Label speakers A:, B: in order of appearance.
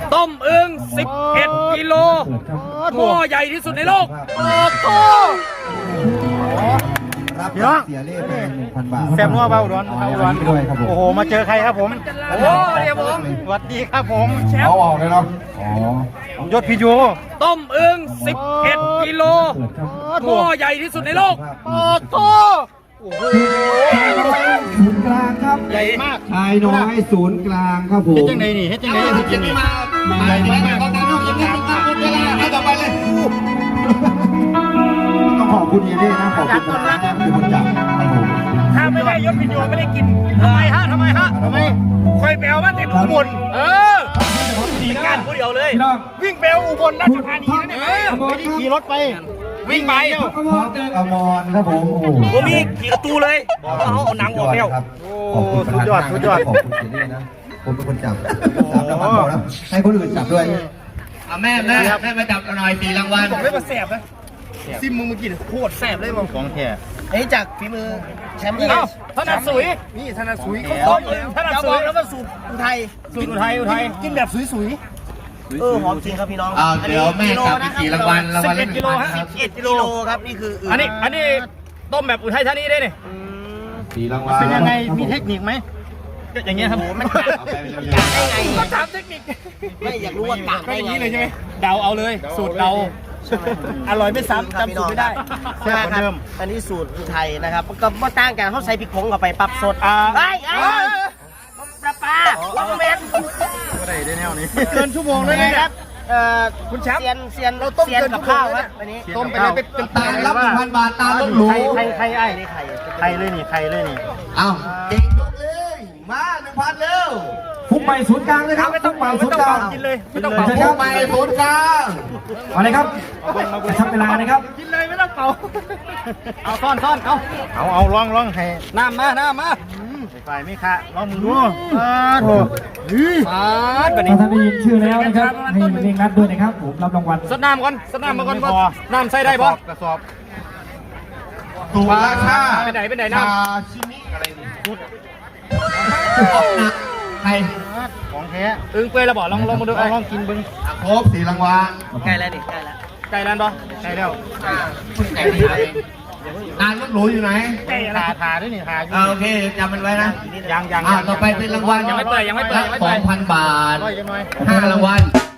A: ต้มอึ่ง11 กิโลหม้อใหญ่ที่สุดในโลกโอ้โห
B: พี่น้องเสียเล่ไป1,000 บาท
C: แซ่บนัวเบาร้อน
B: ด้วยครับผม
C: โอ้โหมาเจอใครครับผม
A: โอ้โหเดี๋ยวผม
C: สวัสดีครับผม
B: เอาออกเลยเนาะอ๋อย
C: ศพิจู
A: ต้มอึ่ง11 กิโลหม้อใหญ่ที่สุดในโลกโอ้โห
B: ศูนย์กลางครับ
C: ใหญ่มาก
B: ชายน้อยศูนย์กลางครับผม
C: เฮ็ดจังไดนี่เฮ็ดจังไดเฮ็ดจังได
B: ใหญ่มากต้องขอบคุณเยเล่นะขอบคุณนะคือคนจับครับผม
A: ถ้าไม่ได้ยศพิโยไม่ได้กินทำไมฮะทำไมคอยแปลว่าเต็มอุบลมีการผู้เดียวเลย
B: พี่น้อง
A: วิ่งแปลอุบลราชธานีนะเนี่ย
C: ไม่ได้ขี่รถไป
A: วิ่งไป
B: อมรครับผมโอ้โห
A: ผมมีขี่ประตูเลยบอกว่าเขาเอาหนังออกแล้ว
B: ครับขอบคุณประธานขอบคุณเยเล่นะผมเป็นคนจับ3 รางวัลพอแล้วให้คนอื่นจับด้วย
D: แม่มาจับหน่อย4 รางวัล
A: บอกเลยว่าแสบนะซิมมึงเมื่อกี้โคตรแสบเลยมึง
C: ของแท้
D: อันนี้จากฝีมือแชมป์เลย
A: เอ้าธนัดสุยนี่ธนัดสุยเขาต้มเลยธนัด
D: จะ
A: สุ
D: บอย กแล้วว่าสูตรอุทัย
A: สูตรอุทัย
D: กินแบบสุยหอมจริงครับพี่น้อง
E: เดี๋ยวแม่จับไป4 รางวัลละ
A: 11 กิโลฮะ
D: 11 กิโลครับนี่คือ
A: อันนี้ต้มแบบอุทัยธานีได้เนี่ย
B: 4 รางวัล
C: เป็นยังไงมีเทคนิคไหม
A: อย่างเงี้ยครับ
D: มันกะได้ไง
A: ก็ถามเทคนิค
D: ไม่อยากรู้ว่ากะ
A: ก็
D: ได้
A: อย่าง
D: ไง
A: นี้เลยใช่ไหมเดาเอาเลยสูตรเดาอร่อยไม่ซ้ำจำสูตรไม่ได้
D: ใช่ครับอันนี้สูตรอุทัยนะครับก็ไม่ต่างกันเขาใส่พริกผงเข้าไปปรับสดไอ้ปลาว่าเมน
C: ก็ได้ได้แนวนี้
D: เกินชั่วโมงเลยนะครับคุณแชมป์เซียนกับข้าวครับอันนี้
C: ต้มไปเลยเป็น
E: ตามรับ 1,000 บาทตามรถหรู
C: ใครไอ้
D: นี่ไข่
C: ใครเลยนี่ใครเลยนี่
E: เอ้าเก่งยกเลยมา 1,000 เร็ว
B: ฟุกไปศูนย์กลางเลยครับ
A: ไม่ต้องเป่า
B: ศูนย์กลาง
A: กินเลยไม่ต้องเป่า
B: เชิญครับ
E: ไปศูนย์กลาง
B: เอาเลยครับจะทำเวลานะครับ
A: กินเลยไม่ต้องเป่าเอาซ่อน
C: เอาลองให้
A: น้ำมา
C: ฝ่ายไม่คะลองมึงดูโถ
A: ฟาดแบบนี้
B: ถ้าท่านได้ยินชื่อแล้วนะครับให้เร่งรัดด้วยนะครับผมรับรางวัล
A: สดน้ำก่อนน้ำใส่ได้ปะ
C: กระสอบ
E: ตัวราคา
A: ไปไหนน้ำ
E: ชาชิมิอะไรนี่ออกหนักใคร
C: ของแท้
A: อึ้งเปยระบอกลองมาดู
C: ลองกินบึง
E: ครบ4 รางวัล
D: ใกล้แล้วนี่ใกล้แล้ว
A: ไก่ร้านปะ
C: ใช่แล้ว
E: ไก่ที่ไหนนานรถหรูอยู่ไหน
A: ไก่อะไร
C: ทาด้วยนี่ทาอยู่
E: โอเคจำมันไว้นะ
C: ยัง
E: ต่อไปเป็นรางวัล
A: ยังไม่เปิด
E: 2,000 บาท
C: ร้อยยังน้อย
E: 5 รางวัล